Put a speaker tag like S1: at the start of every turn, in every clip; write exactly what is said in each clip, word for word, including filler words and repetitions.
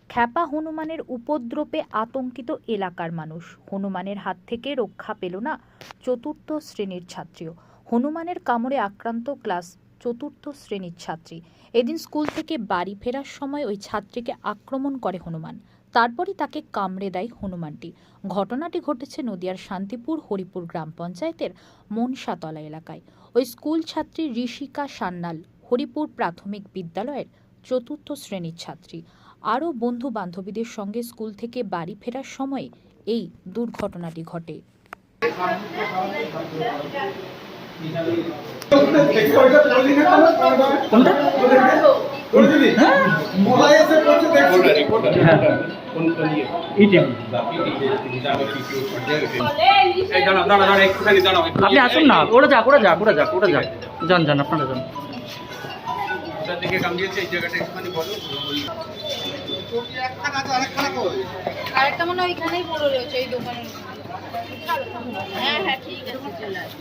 S1: খ্যাপা হনুমানের উপদ্রবে আতঙ্কিত এলাকার মানুষ। হনুমানের হাত থেকে রক্ষা পেল না চতুর্থ শ্রেণীর ছাত্রীও। হনুমানের কামড়ে আক্রান্ত ক্লাস চতুর্থ শ্রেণীর ছাত্রী। এদিন স্কুল থেকে বাড়ি ফেরার সময় ওই ছাত্রীকে আক্রমণ করে হনুমান। তারপরই তাকে কামড়ে দেয় হনুমানটি। ঘটনাটি ঘটেছে নদিয়ার শান্তিপুর হরিপুর গ্রাম পঞ্চায়েতের মনসাতলা এলাকায়। ওই স্কুল ছাত্রী ঋষিকা সান্যাল হরিপুর প্রাথমিক বিদ্যালয়ের চতুর্থ শ্রেণীর ছাত্রী। আরও বন্ধু বান্ধবীদের সঙ্গে স্কুল থেকে বাড়ি ফেরার সময় এই দুর্ঘটনাটি ঘটে।
S2: আপনি আসুন না, ওরা যাক ওরা যাক ওরা যাক ওরা যাক যান যান আপনারা যান।
S3: আরেকটা মনে হয় ওইখানেই পড়ে রয়েছে এই দোকানের। হ্যাঁ হ্যাঁ ঠিক আছে চলে আসো।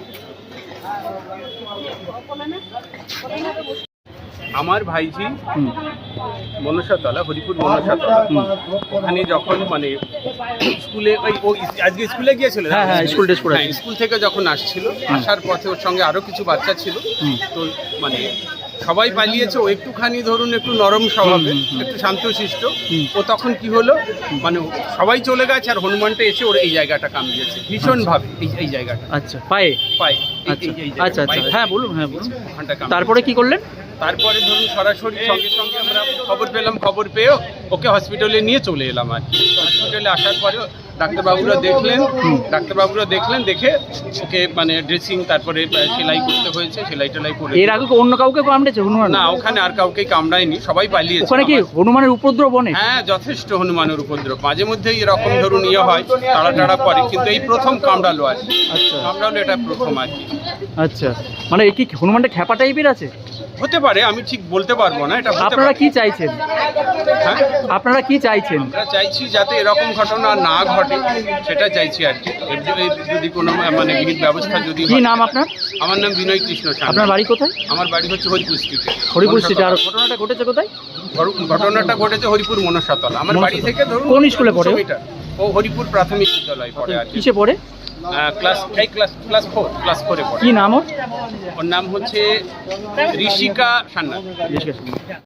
S4: আমার ভাইঝি মনসাতলা হরিপুর মনসাতলা ওখানে যখন মানে স্কুলে ওই ও আজকে স্কুলে গিয়েছিল,
S2: হ্যাঁ হ্যাঁ স্কুল ড্রেস পরে
S4: হ্যাঁ, স্কুল থেকে যখন আসছিল আসার পথে ওর সঙ্গে আরো কিছু বাচ্চা ছিল। তো মানে সবাই পালিয়েছে, ও একটুখানি ধরুন একটু নরম স্বভাবে, একটু শান্তশিষ্ট। ও তখন কি হলো মানে সবাই চলে গেছে আর হনুমানটা এসে ওর এই জায়গাটা কামড়িয়েছে ভীষণ ভাবে, এই এই জায়গাটা।
S2: আচ্ছা পায়ে
S4: পায়ে
S2: আচ্ছা আচ্ছা আচ্ছা হ্যাঁ বলুন হ্যাঁ বলুন।
S4: ওখানটা কামড়িয়েছে।
S2: তারপরে কি করলেন?
S4: তারপরে ধরুন সরাসরি সঙ্গে সঙ্গে আমরা খবর পেলাম, খবর পেয়েও ওকে হসপিটালে নিয়ে চলে এলাম। আর হসপিটালে আসার পরেও ডাক্তারবাবুরা দেখলেন ডাক্তারবাবুরা দেখলেন দেখে ওকে মানে ড্রেসিং তারপরে সেলাই করতে হয়েছে, সেলাই টেলাই করে।
S2: এর আগে অন্য কাউকে কামড়েছে হনুমান?
S4: না, ওখানে আর কাউকে কামড়ায়নি, সবাই পালিয়েছে।
S2: ওখানে কি হনুমানের উপদ্রব অনেক?
S4: হ্যাঁ যথেষ্ট হনুমানের উপদ্রব, মাঝে মধ্যেই এরকম ধরুন ইয়ে হয়, তাড়া টাড়া করে, কিন্তু এই প্রথম কামড়ালো আর কি।
S2: আচ্ছা
S4: কামড়ালো এটা প্রথম আর কি।
S2: আচ্ছা মানে কি হনুমানটা খ্যাপা টাইপের আছে?
S4: হতে পারে, আমি ঠিক বলতে পারবো না এটা।
S2: আপনারা কি চাইছেন?
S4: হ্যাঁ
S2: আপনারা কি চাইছেন?
S4: আমরা চাইছি যাতে এরকম ঘটনা না ঘটে, সেটা চাইছি আর কি। এর জন্য যদি কোনো মানে বিহিত ব্যবস্থা যদি।
S2: কি নাম আপনার?
S4: আমার নাম বিনয় কৃষ্ণ সান্যাল।
S2: আপনার বাড়ি কোথায়?
S4: আমার বাড়ি হচ্ছে হরিপুর স্ট্রিটে।
S2: হরিপুর স্ট্রিটে। আর ঘটনাটা ঘটেছে কোথায়?
S4: ঘটনাটা ঘটেছে হরিপুর মনসাতলা। আমার বাড়ি থেকে ধরুন
S2: কোন স্কুলে পড়ে?
S4: ও হরিপুর প্রাথমিক বিদ্যালয় পড়ে আর কি।
S2: কিসে পড়ে?
S4: ক্লাস এই ক্লাস ক্লাস ফোর ক্লাস ফোরে পড়ে।
S2: কি নাম ওর?
S4: ওর নাম হচ্ছে ঋষিকা সান্যাল।
S2: জিজ্ঞেস করুন।